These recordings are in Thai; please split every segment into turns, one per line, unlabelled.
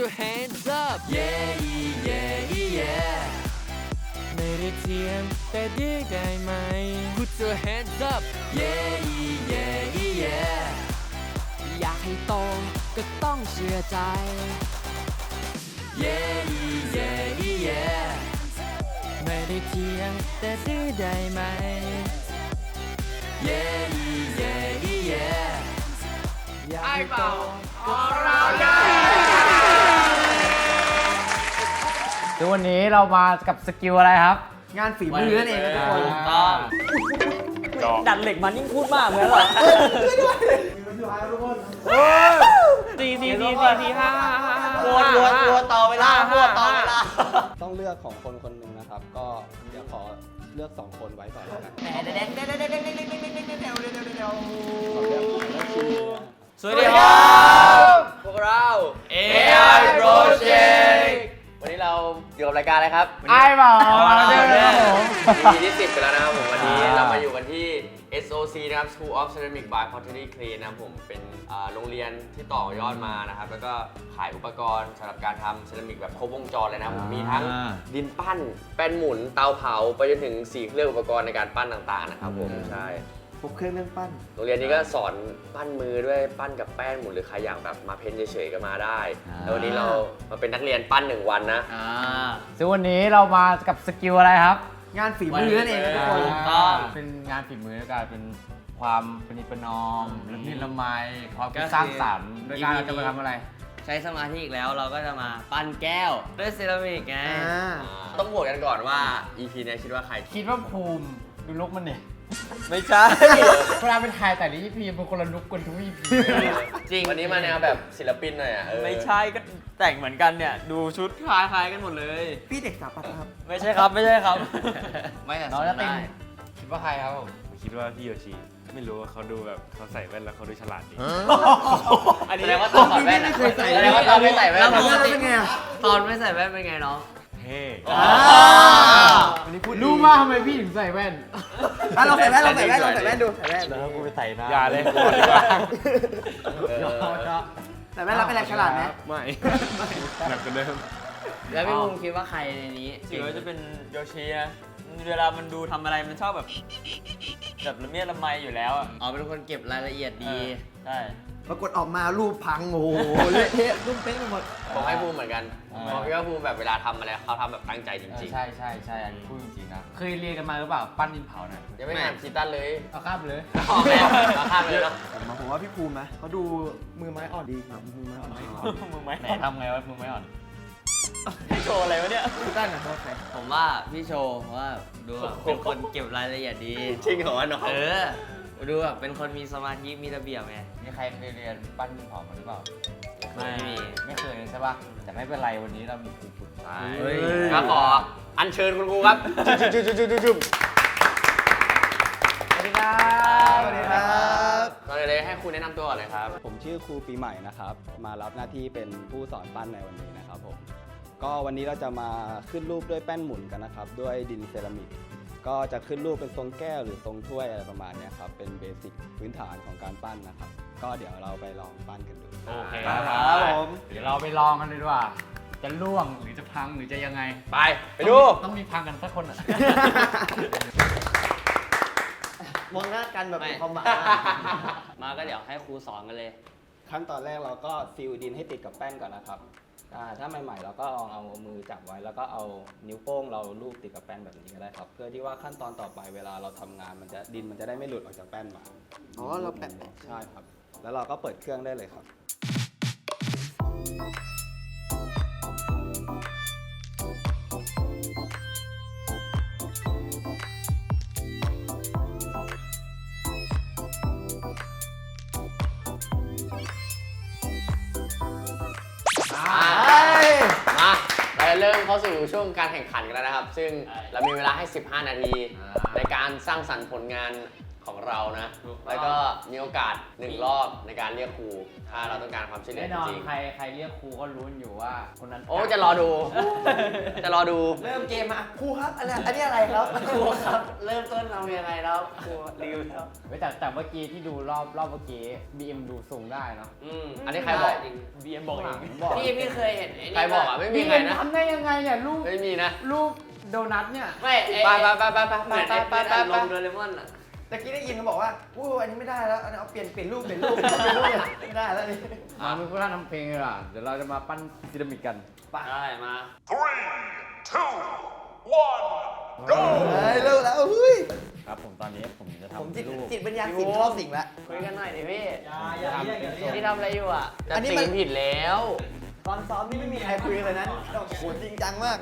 your hands up yeah yeah yeah
ไม่ได้เทียมแต่ดีได้ไหม
Put your hands up yeah yeah yeah อยากให้โตก็ต้องเชื่อใจ yeah yeah yeah
ไม่ได้เทียมแต่ดีได้ไหม
yeah yeah yeah
อยากให้โตก็ซึ่งวันนี้เรามากับสกิลอะไรครับ
งานฝีมือนั่นเองทุกคน
ต้อง
ดัดเหล็กมันยิ่งพูดมากเหมือนเหรอตีห้า
วัวต่อเวลาวัวต่อเวลา
ต้องเลือกของคนคนหนึ่งนะครับ ก็เดี๋ยวขอเลือก2คนไว้ก่อนแล้วกัน
สวัสดีครับ
พวกเรา
AI Project
วันนี้เราอยู่กับรายการอะไรครับ
ไอ้บ่าวเราเจอกันผม
EP ที่ 10กันแล้วนะครับผมวันนี้เรามาอยู่กันที่ SOC นะครับ School of Ceramic by Pottery Clay นะครับผมเป็นโรงเรียนที่ต่อยอดมานะครับแล้วก็ขายอุปกรณ์สำหรับการทำเซรามิกแบบครบวงจรเลยนะครับผมมีทั้งดินปั้นแป้นหมุนเตาเผาไปจนถึง4เครื่องอุปกรณ์ในการปั้นต่างๆนะครับผมใช่พวกเครื่องปั้นโรงเรียนนี้ก็สอนปั้นมือด้วยปั้นกับแป้นหมุนหรือใครอยากแบบมาเพ้นเฉยๆก็มาได้แล้ววันนี้เรามาเป็นนักเรียนปั้น1วันนะ
ซึ่งวันนี้เรามากับสกิลอะไรครับ
งานฝีมือนั่นเองทุกคน
เป็นงานฝีมือแล้วกันเป็นความประนีประนอมละมุนละไมความคิดสร้างสรรค์โดยการเราจะมาทำอะไร
ใช้สมาธิอีกแล้วเราก็จะมาปั้นแก้วด้วยเซรามิกไง
ต้องโหวตกันก่อนว่า EP นี้คิดว่าใคร
คิดว่าภูมิดูลุกมันเนี่ย
ไม่ใช่
เวลาเป็นถ่ายแต่ละ EP เป็นคนละลุกกันทุก EP
จริง
วันนี้มาแนวแบบศิลปินหน่อยอ่ะ
ไม่ใช่ก็แต่งเหมือนกันเนี่ย ดูชุดคล้ายๆกันหมดเลย
พี่เด็กสถาปัตย์ครับ
ไม่ใช่ครับไม่ใช่ครับ ไม่แต่
น้องจะตินคิดว่าใครครับผม
คิดว่าพี่โยชิไม่รู้ว่าเขาดูแบบเขาใส่แว่นแล้วเขาดูฉลาดดี
อันนี้
แสดงว่าตอนถอดแว่นอะไม่เคยใส่แสดงว่าตอนไม่ใส่แว่น
แล้ว
อะ
ปกติตอนไม่ใส่แว่นเป็นไงน้อง
เท่
วันนี้พูด
รู้มากทำไมพี่ถึงใส่แว่น
เราใส่แว่นดูใส่แว่น
แล้วกูไปใส่หน้าอย่าเลยก่อนดีกว่า
ใส่แว่นแล้วเป็นอะไรฉลาดไหม
ไม่หนักกว่าเดิม
แล้วพี่ภูมิคิดว่าใครในนี้คิดว่าจะเป็นโยชินะเวลามันดูทำอะไรมันชอบแบบละเมียดละไมอยู่แล้วอ่ะอ๋อเป็นคนเก็บรายละเอียดดีใช่
ปรากฏออกมารูปพังโอ้โหเละเทะรูปเป๊ะไปหมดผมให้ภูมิเหมือนกันผมคิดว่าภูมิแบบเวลาทำอะไรเขาทำแบบตั้งใจจริง
ใช่ใช่ใช่อันนี้พูดจริงๆนะ เคยเรียนกันมาหรือเปล่า ปั้นดินเผาน่ะ
ๆยังไม่ทำคีตันเลย
เอาข้ามไปเลย
ออกแล้วเอาข้ามไปเลยเนาะ
ผมว่าพี่ภูมินะเขาดูมือไม้อ่อนดีครับมือไม้อ่อน
มึงไหม
ไหนทำไงวะมึงไม่อ่อน
โชว์อะไรวะเนี่ย
พี่ตั้งอะโทษใคร
ผมว่าพี่โชว์เพราะว่าดูแบบเป็นคนเก็บรายละเอียดดี
จริงเหรอน้อง
ดูแบบเป็นคนมีสมาธิมีระเบียบไง
มีใครเคยเรียนปั้นดินเผามาหรือเปล่า
ไม่มี
ไม่เคยใช่ปะแต่ไม่เป็นไรวันนี้เรามีครูฝึก
เฮ้ย
ก็ขออัญเชิญคุณครูครับจุ๊บ
สวัสดีครับ
สวัสดีครับ
ก่อนอื่นเลยให้ครูแนะนำตัวก่อนเลยครับ
ผมชื่อครูปีใหม่นะครับ มารับหน้าที่เป็นผู้สอนปั้นในวันนี้นะครับผม ก็วันนี้เราจะมาขึ้นรูปด้วยแป้นหมุนกันนะครับ ด้วยดินเซรามิก ก็จะขึ้นรูปเป็นทรงแก้วหรือทรงถ้วยอะไรประมาณเนี้ยครับ เป็นเบสิกพื้นฐานของการปั้นนะครับ ก็เดี๋ยวเราไปลองปั้นกันดู
โอเค
ครับผม
เดี๋ยวเราไปลองกันเลยดีกว่า จะล่วงหรือจะพังหรือจะยังไง
ไปดู
ต้องมีพังกันสักคนอ่ะ
มองหน้ากันแบบ
ไม่
ความหมาย
มาก็เดี๋ยวให้ครูสอนกันเลย
ขั้นตอนแรกเราก็ซิลดินให้ติดกับแป้นก่อนนะครับถ้าใหม่ๆเราก็ลองเอามือจับไว้ แล้วก็เอานิ้วโป้งเราลูบติดกับแป้นแบบนี้ก็ได้ครับ เพื่อที่ว่าขั้นตอนต่อไปเวลาเราทำงานดินมันจะได้ไม่หลุดออกจากแป้นมา
อ๋อเราแปะ
ใช่ครับ แล้วเราก็เปิดเครื่องได้เลยครับ
มาเราจะเริ่มเข้าสู่ช่วงการแข่งขันกันแล้วนะครับ ซึ่งเรามีเวลาให้ 15 นาที ในการสร้างสรรค์ผลงานของเรานะ แล้วก็มีโอกาส1 รอบในการเรียกครูถ้าเราต้องการความช่วยเหลือ
แน่นอน
จริง
ใครเรียกครูก็รู้อยู่ว่าคนนั้น
ๆโอ้จะรอดู จะรอดู
เริ่มเกมมาครูครับอันนี้อะไรครับ
ครูครับ เริ่มต้นทำยังไงแล้วครูรีวิวครับ
แต่เมื่อกี้ที่ดูรอบเมื่อกี้ BM ดูสูงได้เนาะ
อันนี้ใครบอก
BM บอกเอง
บอก
พี่เคยเห็นไอ้นี่
ใครบอกอ่ะไม่มี
BM
ใครนะ
ทำได้ยังไงเนี่ยลูก
ไม่มีนะ
ลูกโดนัทเนี่ย
ไม่
ไปไปไปไปไป
เหมือน
ไป
ไอ้
ไป
เป็น
ไป
อาร
ไป
มณ์โดเรมอนอ่ะ
ตะกี้ได้ยินเขาบอกว่าอู้อันนี้ไม่ได้แล้วอันนี้เอาเปลี่ยนรูปไม่ได้แล้วนี่
มามึงก็ท่าทำเพลงเลยล่ะเดี๋ยวเราจะมาปั้นพีระมิดกัน
ได้มา
เฮ้ยเลิกแล้วเฮ้ย
ครับผมตอนนี้ผมจะ
ผม
ทำรูป
จิตวิญญาณสิงเข้าสิงแล้ว
คุยกันหน่อยดิพี่
อย่าเรียก
พี่ทำอะไรอยู่อ่ะ
จะ
อันนี้
ตี
มัน
ผิดแล้ว
ตอนซ้อมนี่ไม่มีใครคุยกันเลยนะโอ้โหจริงจังมาก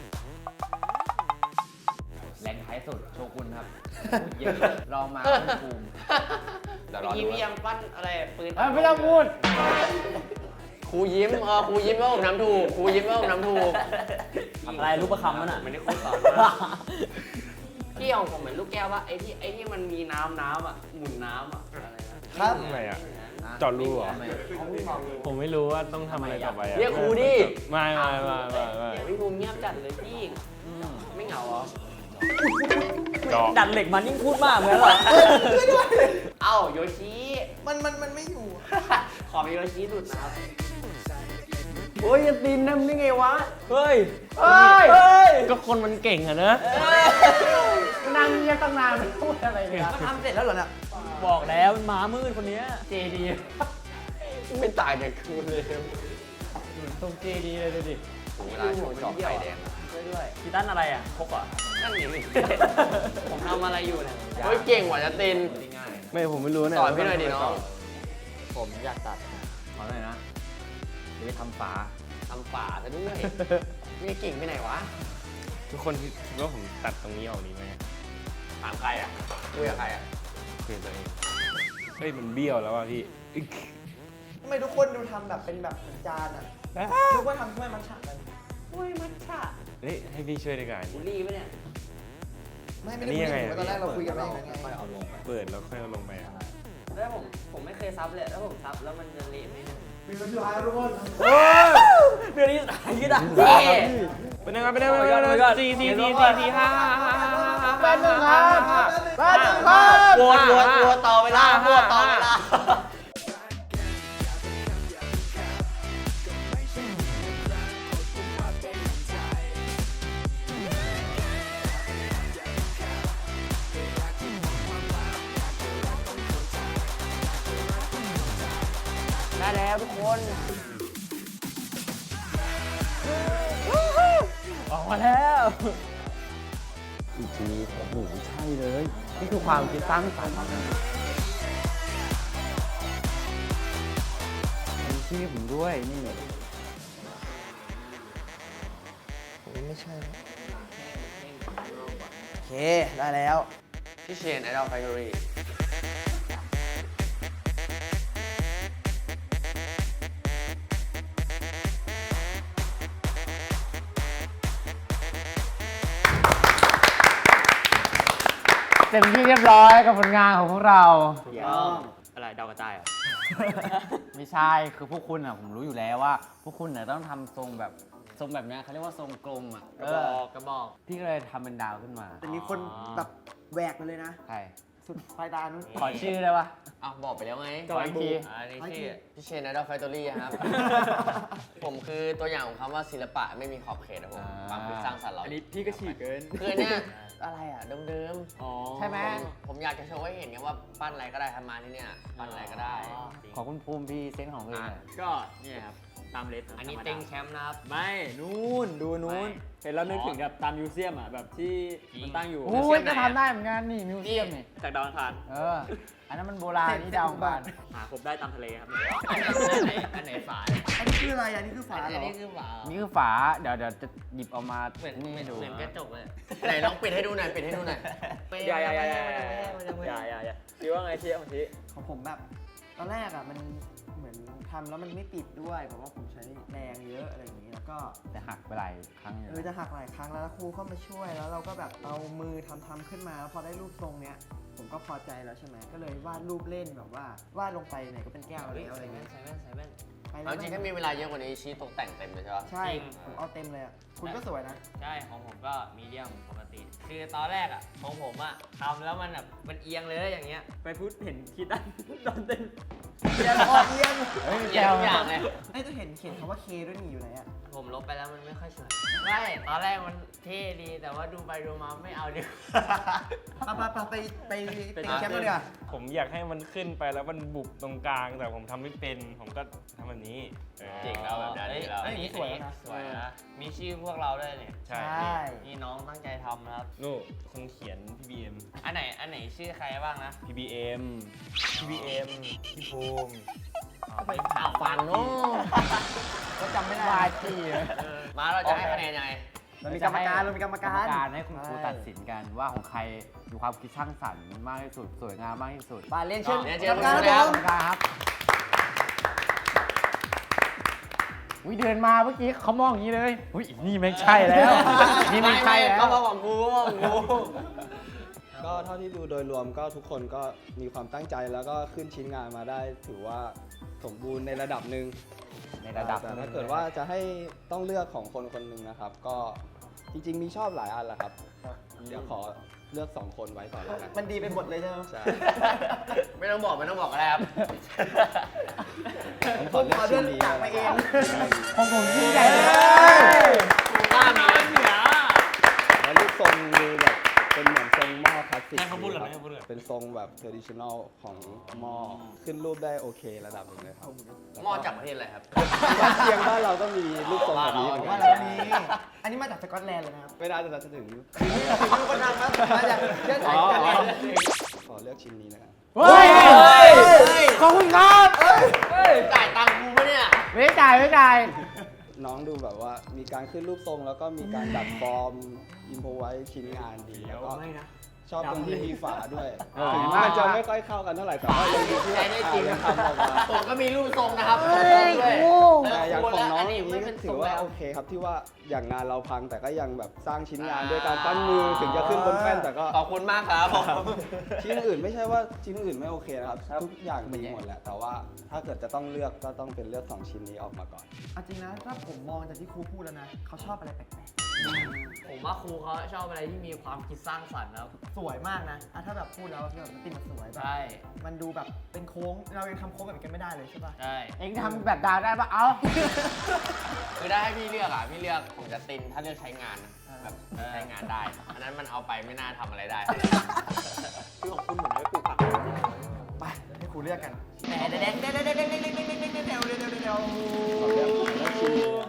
แรงท้ายสุดโชกุนครับพูดเยอะลองมาคุณภูมิ
เดี๋ยวร
เมื่
อ
อกี้
ดู
พี่ยังปั้นอะไรปืน
ไม่ต้องพูด
ครูยิ้มครูยิ้มว่าผมน้ำถูกครูยิ้มว่าผมน้ำถูก
อะไรรูปประคำมันอ่ะไม่ได้ครูสอนพี่ของผมเหมือนลูกแก้วว่าไอ้ที่มันมีน้ำอ่ะหมุนน้ำอ่ะอะไรนะครับ
ทำไมอ่ะ เจาะรูเหรอ ผมไม่รู้ว่าต้องทำอะไรต่อไปอ่ะ
เรียกครูดิ
ไม่
พี่ภูมิเงียบจัดเลยพี่ไม่เหงาเหรอ
เจาะ
ดัดเหล็กมันยิ่งพูดมากเหมือนเหรอเอ้าโยชิ
มันไม่อยู่
ขอเป็นโยชิดุดนะครับ
โอ้ยจะตีนน้ำได้ไงวะ
เฮ้ย
เฮ้ย
ก็คนมันเก่งอะนะ
นั่งเงียบตั้งนานไม่พูดอะไรเลยอะ
ทำเสร็จแล้วเหรอเนี่ย
บอกแล้วมันม้ามืดคนนี้
เจดี
ไม่ต่างจากครูเลย
ตรงเจดีเลยดูดิ
ถึงเวลาโชว์จอบไข่แดง
ด้วยพี่ตั้นอะไรอ่ะพกเหรอนั่นนี่ผมทำอะไรอยู่เนี่ย
เฮ้ยเก่งกว่าจะตีน
ไม่ผมไม่รู้เนี่ย
สอนพี่หน่อยดิน้อง
ผมอยากตัดขอหน่อยนะเดี๋ยวไปทำฝา
ทำป่าซะด้วยไม่เก่งไปไหนวะ
ทุกคนคิดว่าผมตัดตรงนี้ออกดีไหม
ถามใครอ่ะคุยกับใครอ่ะ
คือตัวเองเฮ้ยมันเบี้ยวแล้วอ่ะพี่อึ๊ก
ทำไมทุกคนดูทำแบบเป็นแบบเหมือนจานอ่ะทุกคนทำถ้วยมัทฉะกัน
อุ้ยมัทฉะ
เฮ้ยให้พี่ช่วยดีกว่า
บุรีปะเนี่ย
ไม่ได้คุยกันตอนแรกเราคุยกันไม่อย่างนั้นไง
เปิดแล้วค่อยเอาลงไปอ่ะ
แล้วผมไม่เคยซับเลยแล้วผมซับแล้วมันจะเละไหมเนี่ย
มีคนร้ายทุกคน
เดือนนี้ตายก็ได้
เป็นยังไงสี่ห้า
แป๊บนึงครับแป๊บนึงครับ
วัวต่อเวลาวัวต่อเวลา ได้แล้วทุกคน
ออกมาแล้ว
อีกทีโอ้โหใช่เลย นี่คือความคิดสร้างสรรค์มีชื่อผมด้วยนี่
ไม่ใช่โอเคได้แล้ว
พี่เชนไอดอลแฟคทอรี่
เต็มที่เรียบร้อยกับผลงานของพวกเรา
อะไรดาวกระจายเหรอ
ไม่ใช่คือพวกคุณอ่ะผมรู้อยู่แล้วว่า พวกคุณเนี่ยต้องทำทรงแบบเนี้ยเขาเรียกว่าทรงกลมอ่ะ
กระบอก
พี่ก็เลยทำเป็นดาวขึ้นมา
แต่มีคนแบบแหวกมาเลยนะ
ใคร
สุดปลายตานู้น
ขอชื่อได้ปะ
อ้าวบอกไปแล้วไง
ขออีกที
อันนี้ชื่อพี่เชนไอดอลแฟคทอรี่ครับ ผมคือตัวอย่างของคำว่าศิลปะไม่มีขอบเขตนะผมความคิดสร้างสรรค์เรา
อันนี้พี่ก็ฉีกเกิน
คือเนี่ยอะไรอ่ะเดิม
อ๋อ
ใช่ไหม
ผมอยากจะโชว์ให้เห็นไงว่าปั้นอะไรก็ได้ทำมาที่เนี่ยปั้นอะไรก็ได้
ขอคุณภูมิพี่เซนส์ของเพลงหน่อย
ก็เนี่ยครับตามเลส
อันนี้เต็งแชมป์นะครับ
ไม่นู่นดูนู้นเห็นแล้วนึกถึงแบบตามมิวเซียมอ่ะแบบที่มันตั้งอยู่
โอ้ยจะทำได้เหมือนกันนี่มิวเซียมนี่
จากดาวอังคาร
อันนั้นมันโบราณนี่ดาวอังคาร
หาครบได้ตามทะเลครับ
อันไหนฝา
อันนี้คืออะไรอันนี้คือฝาเหร
อัน
อ
นี้คือฝา
นี่คือฝาเดี๋ยวจะหยิบเอามานี่ให้ดู
เหมือนกระจกเลยไหนลองปิดให้ดูหน่อยปิดให้ดูหน่อย
อย่าคิดว่าไงเที่ยวของที่
ของผมแบบตอนแรกอ่ะมันเหมือนทำแล้วมันไม่ปิดด้วยเพราะว่าผมใช้แรงเยอะอะไรอย่างนี้นะแล้วก็
แต่หักไปหลายครั้งอยู่นะ
จะหักหลายครั้งแล้วครูเข้ามาช่วยแล้วเราก็แบบเอามือทำขึ้นมาแล้วพอได้รูปทรงเนี้ยผมก็พอใจแล้วใช่ไหมก็เลยวาดรูปเล่นแบบว่าวาดลงไปไหนก็เป็นแก้วอะไร
ใส่
อะไร
แว่
เงี้
น
ย
ใส่แว่นใส่แว่น
ไปเล
เอา
ย
จริงถ้ามีเวลาเยอะกว่านี้ชี้ตกแต่งเต็มเลยใช่ปะ
ใช่
จริง
ผมเอาเต็มเลยอ่ะคุณก็สวยนะ
ใช่ ของผมก็มีเดียมปกติ คือตอนแรกอ่ะของผมอ่ะทำแล้วมันแบบมันเอียงเลยอย่างเงี้ย ไปพูดเห็นคิดได้ ตอนเต้น
เอียงออกเอียง
เฮ้ย
เอียงทุกอย่างเลย
ไอ้จะเห็นคำว่าเคด้วยนี่อยู่ไหนอ่ะ
ผมลบไปแล้วมันไม่ค่อยสวยไม่ตอนแรกมันเท่ดี แต่ว่าดูไปดูมาไม่เอาดีกว่า
ไปติงแชมป์กันดีกว่า
ผมอยากให้มันขึ้นไปแล้วมันบุบตรงกลาง แต่ผมทำไม่เป็น ผมก็ทำแบบนี้
จริงแล้วแบบนั้น
เอ้ย
จริงแล้ว
อันนี้สวยนะสวยนะ มีชื่อพวกเราด้วยเนี่ย
ใช่
นี่น้องตั้งใจทำนะครับ
นู่นคนเขียน PBM
อันไหนชื่อใครบ้างนะ
PBM พี่ภูมิ
ไปถามฟังเนาะ
ก็จำไม่ได้
วาจีเลย
มาเราจะให้คะแนนยังไง
เรามีกรรมการเรามีกรรมการ
ให้คุณครูตัดสินกันว่าของใครมีความคิดสร้างสรรค์มากที่สุดสวยงามมากที่สุด
ไปเรียนเชิญ
เรียน
ก
เชิ
ร
ญ
รมการ
คุณครู
ค
ครั
รับ บ
ครับวิเดินมาเมื่อกี้เขามองอย่างนี้เลยอุ้ยนี่ไม่ใช่แล้ว นี่ไม่ใช่แล้ว
เขาบอกของกูของกู
ก็เท่าที่ดูโดยรวมก็ทุกคนก็มีความตั้งใจแล้วก็ขึ้นชิ้นงานมาได้ ถือว่าสมบูรณ์ในระดับหนึ่ง
ในระดับ
แต่ถ้าเกิดว่าจะให้ต้องเลือกของคนคนหนึ่งนะครับ ก็จริงๆมีชอบหลายอันแหละครับ เดี๋ยวขอเลือก 2 คนไว้ก่อนแล้วกัน
มันดีไปหมดเลยใช่ไหม
ใช่
ไม่ต้องบอกก็ได้ครับ
ผมขอเลือกชิ้นนี้
จากมาเอง
ของผมยิ่งใหญ่เลย
กล้ามี
แล้วรูปทรงดูแบบเป็นเหมือนทรงหม้อคลาสสิก
ให้เขาพูดเหรอ
ครับ
ให้เขาพูดเหรอ
เป็นทรงแบบ traditional ของหม้อขึ้นรูปได้โอเคระดับหนึ่งเลยครับ
หม้อจากประเทศอะไรครับ
บ้านเชียงบ้านเราก็มีรูปทรงแบบนี้
ผมว่า
เห
เรา
มือน
มี
กัน
อันนี้มาจากสกอตแลนด์เลยนะครับ
ไม่น่าจะถึง
มีคนทำครับมาจากเชื้อสายสกอตแลนด์
ขอเลือกชิ้นนี้นะครับ
เฮ้ยขอบคุณครับ
จ่ายตังค์กูปะเนี่ย
ไม่จ่ายไม่จ่าย
น้องดูแบบว่ามีการขึ้นรูปทรงแล้วก็มีการดัดฟอร์มอินโพไว้ชิ้นงานดีแล้วก็ชอบตรงที่มีฝาด้วยถึงมันจะไม่ค่อยเข้ากันเท่าไหร่แต่ว่ายังดีที่ว่ายังทำออกมา
ผมก็มีรูปทรงนะครับด้วย
แต่อย่างของน้องอย่างนี้ก็ถือว่าโอเคครับที่ว่าอย่างงานเราพังแต่ก็ยังแบบสร้างชิ้นงานด้วยการปั้นมือถึงจะขึ้นบนแป้นแต่ก็
ขอบคุณมากครับผม
ชิ้นอื่นไม่ใช่ว่าชิ้นอื่นไม่โอเคนะครับทุกอย่างดีหมดแหละแต่ว่าถ้าเกิดจะต้องเลือกก็ต้องเป็นเลือก2ชิ้นนี้ออกมาก่อน
เอาจริงนะถ้าผมมองจากที่ครูพูดแล้วนะเขาชอบอะไรแปลก
ผมว่าครูเขาชอบอะไรที่มีความคิดสร้างสรรค์นะครับ
ๆสวยมากนะอ่ะถ้าแบบพูดแล้วแบบมันติดมันสวยแบบ
ใช่
มันดูแบบเป็นโค้งเรายังทำโค้งแบบนี้กันไม่ได้เลยใช่ป่ะ
ใช่
เอ็งทำแบบดาวได้ปะเอ้า
คือได้ให้พี่เลือกอ่ะ พี่เลือกของจัสตินถ้าเลือกใช้งานนะแบบใช้งานได้ อันนั้นมันเอาไปไม่น่าทำอะไรได้
คือของคุณเหมือนไม่ปลูกผัก
ไปให้ครูเลือกกันแต่เด็ดเด็ดเด็ดเด็ดเด็ดเด็ดเด็ดเด็ดเด็ดเด็ดเด็ดเด็ดเด็ด
ขอเลือกชิ้นนี้นะ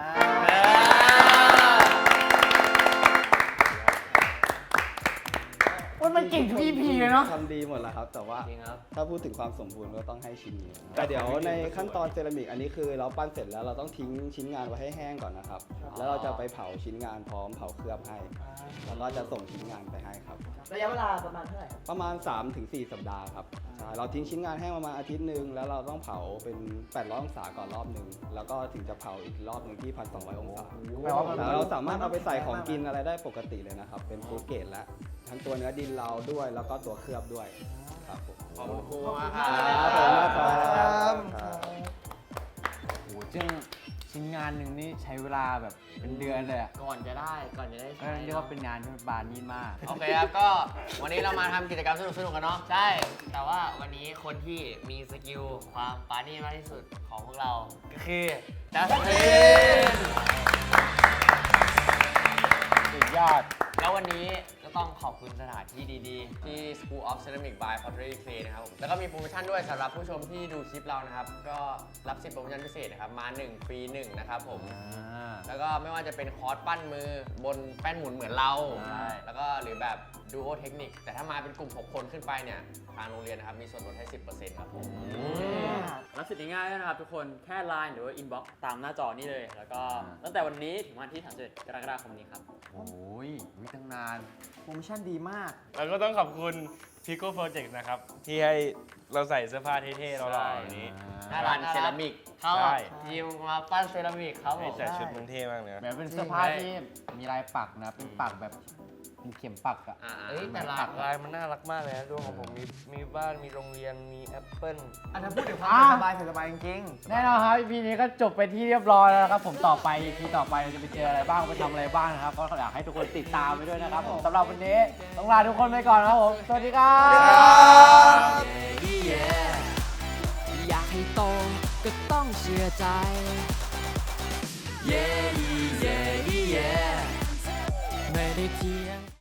มันเก่งทุก EP เลยเนาะ
ทำดีหมดแล้วครับ แต่ว่า
จริงครับ
ถ้าพูดถึงความสมบูรณ์ก็ต้องให้ชิ้นนี้นะแต่เดี๋ยวในขั้นตอนเซรามิกอันนี้คือเราปั้นเสร็จแล้วเราต้องทิ้งชิ้นงานไว้ให้แห้งก่อนนะครับ แล้วเราจะไปเผาชิ้นงานพร้อมเผาเคลือบให้ แล้วก็จะส่งชิ้นงานไปให้ครับ
ระยะเวลาประมาณเท่าไหร่ครับ
ประมาณ 3-4 สัปดาห์ครับใช่เราทิ้งชิ้นงานแห้งประมาณอาทิตย์หนึ่งแล้วเราต้องเผาเป็น800องศาก่อนรอบหนึ่งแล้วก็ถึงจะเผาอีกรอบหนึ่งที่ 1,200 องศา
แปลว่ามัน
แต่เราสามารถเอาไปใส่ของกินอะไรได้ปกติเลยนะครับ เป็นฟู้ดเกรดแล้วทั้งตัวเนื้อดินเราด้วยแล้วก็ตัวเคลือบด้วยครับผม
ขอบคุณครูมากค
ค
รั
รับผม
บ
โอ้โหซึ่งชิ้นงานหนึ่งนี่ใช้เวลาแบบเป็นเดือนเลยอะ
ก่อนจะได้ใช้
เรียกว่าเป็นงานที่บานนี่มาก
โอเคครับ ก็วันนี้เรามาทำกิจกรรมสนุกๆกันเนาะ
ใช่ แต่ว่าวันนี้คนที่มีสกิลความปานี่มากที่สุดของพวกเรา ก็คือจัสติน
สุดยอด
แล้ววันนี้ก็ต้องขอบคุณสถานที่ดี
ที่ School of Ceramic by Pottery Clay นะครับผมแล้วก็มีโปรโมชั่นด้วยสำหรับผู้ชมที่ดูคลิปเรานะครับ ก็รับสิทธิ์โปรโมชั่นพิเศษนะครับ มา1ฟรี1นะครับผม แล้วก็ไม่ว่าจะเป็นคอร์สปั้นมือบนแป้นหมุนเหมือนเรา
ใช่
แล้วก็หรือแบบดูโอเทคนิค แต่ถ้ามาเป็นกลุ่ม 6 คนขึ้นไปเนี่ย ทางโรงเรียนนะครับ มีส่วนลดให้ 10% ครับผม
รับสิทธิ์ง่ายๆด้วยนะครับทุกคน แค่ Line หรือว่า Inbox ตามหน้าจอนี้เลย แล้วก็ตั้งแต่วันนี้ถึงวันที่31กรกฎาคมนี้ครับ
โอ้ยวิตั้งนาน
โปรโมชั่นดีมาก
แล้วก็ต้องขอบคุณ Pico Project นะครับ ที่ให้เราใส่เสื้อผ้าเท่ๆเราหล่อๆแบบนี้
น่ารักเซรามิกเข้า
ใช่
ยิมมาปั้นเซรามิกครับผม
แต่ชุดมึงเท่มากเลยนะ
แบบเป็นเสื้อผ้าที่มีลายปักนะ เป็นปักแบบมีเข็มปักอะ
เอ้ยแต่ละ
ลายมันน่ารักมากเลยนะดวงของผมมีบ้านมีโรงเรียนมีแอปเปิ้ล
อันนั้นพูดถึงความสบายสบายจริง
แน่นอนครับ EP นี้ก็จบไปที่เรียบร้อยแล้วนะครับ ผมต่อไป EP ต่อไปเราจะไปเจออะไรบ้างไปทำอะไรบ้างนะครับ ก็อยากให้ทุกคนติดตามไปด้วยนะครับผมสำหรับวันนี้ต้องลาทุกคนไปก่อนนะครับผม สวัสดีครับ
อยากให้โตก็ต้องเชื่อใจ เย้เย้เย้ไม่ได้เทียง